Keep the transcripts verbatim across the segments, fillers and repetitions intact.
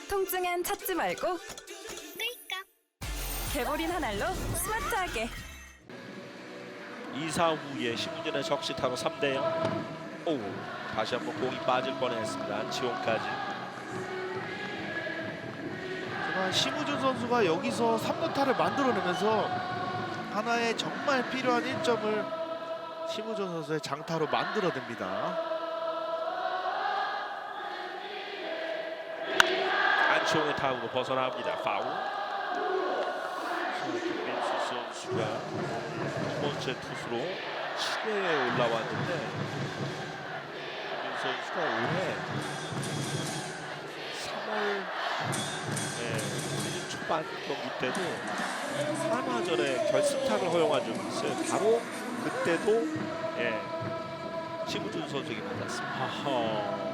통증엔 찾지 말고 개보린 한 알로 스마트하게. 이 사 후에 심우준의 적시타로 삼 대 영. 오, 다시 한번 공이 빠질 뻔했습니다. 안치홍까지. 정말 심우준 선수가 여기서 삼 루타를 만들어내면서 하나의 정말 필요한 일 점을 심우준 선수의 장타로 만들어냅니다. 안치홍의 타구로 벗어납니다. 파울. 김민수 선수가 두 번째 투수로 칠 회에 올라왔는데 김민수 선수가 올해 삼월 네, 시즌 초반 경기 때도 삼화전에 결승타를 허용한 적이 있어요. 바로 그때도 예, 심우준 선수에게 만났습니다. 하하.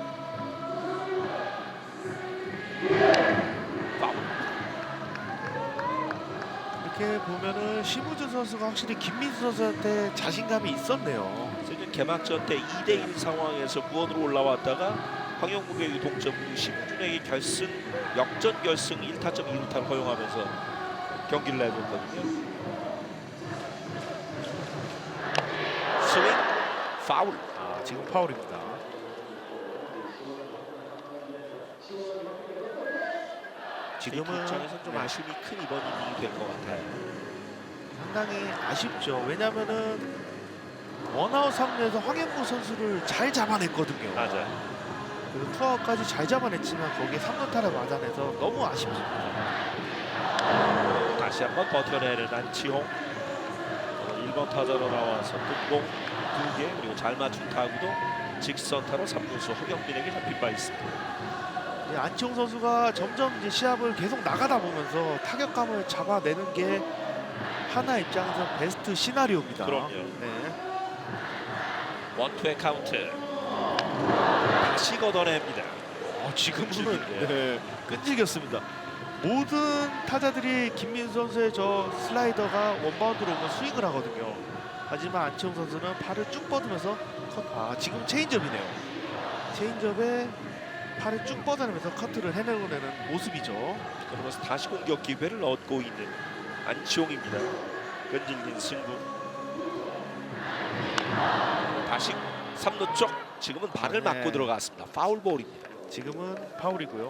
이렇게 보면은 심우준 선수가 확실히 김민수 선수한테 자신감이 있었네요. 시즌 개막전 때 이 대 일 상황에서 무원으로 올라왔다가 황영국에게 동점, 심우준에게 결승, 역전 결승 일 타점 이 루타를 허용하면서 경기를 내줬거든요. 스윙, 파울. 아, 지금 파울입니다. 지금은 입장에서 좀 네, 아쉬움이 큰 이번 이닝이 될 것 같아요. 상당히 아쉽죠. 왜냐면은 원아웃 상태에서 황영구 선수를 잘 잡아냈거든요. 맞아요. 그리고 투아웃까지 잘 잡아냈지만 거기에 삼 루타를 맞아내서 너무 아쉽습니다. 다시 한번 버텨내는 안치홍. 일 번 타자로 나와서 뜬공 두 개, 그리고 잘 맞춘 타구도 직선타로 삼 루수 허경민에게 잡힌 바 있습니다. 네, 안치홍 선수가 점점 이제 시합을 계속 나가다 보면서 타격감을 잡아내는 게 하나 입장에서 베스트 시나리오입니다. 그럼요. 네. 원투의 카운트. 다시 걷어냅니다. 어, 지금은 끈질기네요. 네, 끈질겼습니다. 모든 타자들이 김민수 선수의 저 슬라이더가 원바운드로 오면 스윙을 하거든요. 하지만 안치홍 선수는 팔을 쭉 뻗으면서 컷. 아, 지금 체인지업이네요. 체인지업에 팔을 쭉 뻗어내면서 커트를 해내는 모습이죠. 그러면서 다시 공격 기회를 얻고 있는 안치홍입니다. 끈질긴 승부. 다시 삼 루 쪽. 지금은 발을 네. 맞고 들어갔습니다. 파울볼입니다. 지금은 파울이고요.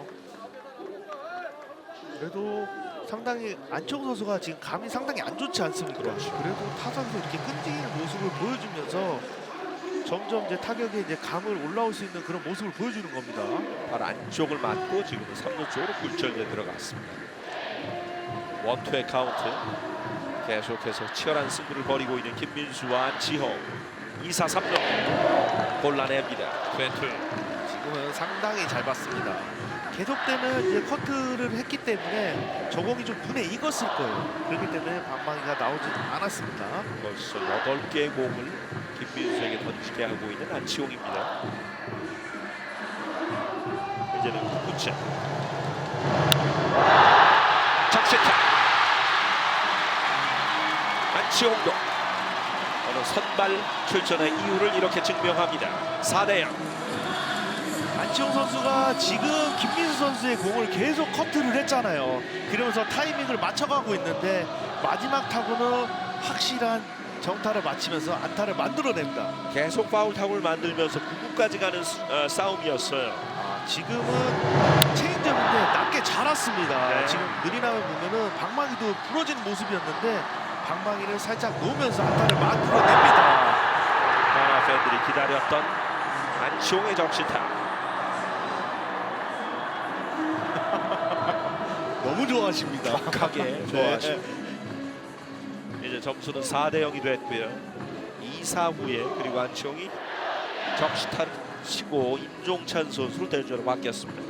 그래도 상당히 안치홍 선수가 지금 감이 상당히 안 좋지 않습니까? 그렇죠. 그래도 타선에서 이렇게 끈질긴 모습을 보여주면서 점점 이제 타격에 이제 감을 올라올 수 있는 그런 모습을 보여주는 겁니다. 발 안쪽을 맞고 지금은 삼 루 쪽으로 굴절돼 들어갔습니다. 원투의 카운트. 계속해서 치열한 승부를 벌이고 있는 김민수와 안치홍. 이 사 삼 루 골라냅니다. 투앤투. 지금은 상당히 잘 봤습니다. 계속되는 이제 커트를 했기 때문에 저공이 좀 눈에 익었을 거예요. 그렇기 때문에 방망이가 나오지 않았습니다. 벌써 여덟 개의 공을 김민수에게 던지게 하고 있는 안치홍입니다. 이제는 구 차. 적시타. 안치홍도 오늘 선발 출전의 이유를 이렇게 증명합니다. 사 대 영. 안치홍 선수가 지금 김민수 선수의 공을 계속 커트를 했잖아요. 그러면서 타이밍을 맞춰가고 있는데 마지막 타구는 확실한 정타를 맞히면서 안타를 만들어냅니다. 계속 파울 타구를 만들면서 구 구까지 가는 수- 어, 싸움이었어요. 아, 지금은 체인지업인데 낮게 잘 왔습니다. 네. 지금 느리나면 보면은 방망이도 부러진 모습이었는데 방망이를 살짝 놓으면서 안타를 만들어냅니다. 만화 팬들이 기다렸던 안치홍의 적시타. 너무 좋아하십니다. 정확하게 좋아하십니다. 이제 점수는 사 대 영이 됐고요. 이 사 후에 그리고 안치홍이 적시타를 치고 임종찬 선수를 대주로 바뀌었습니다.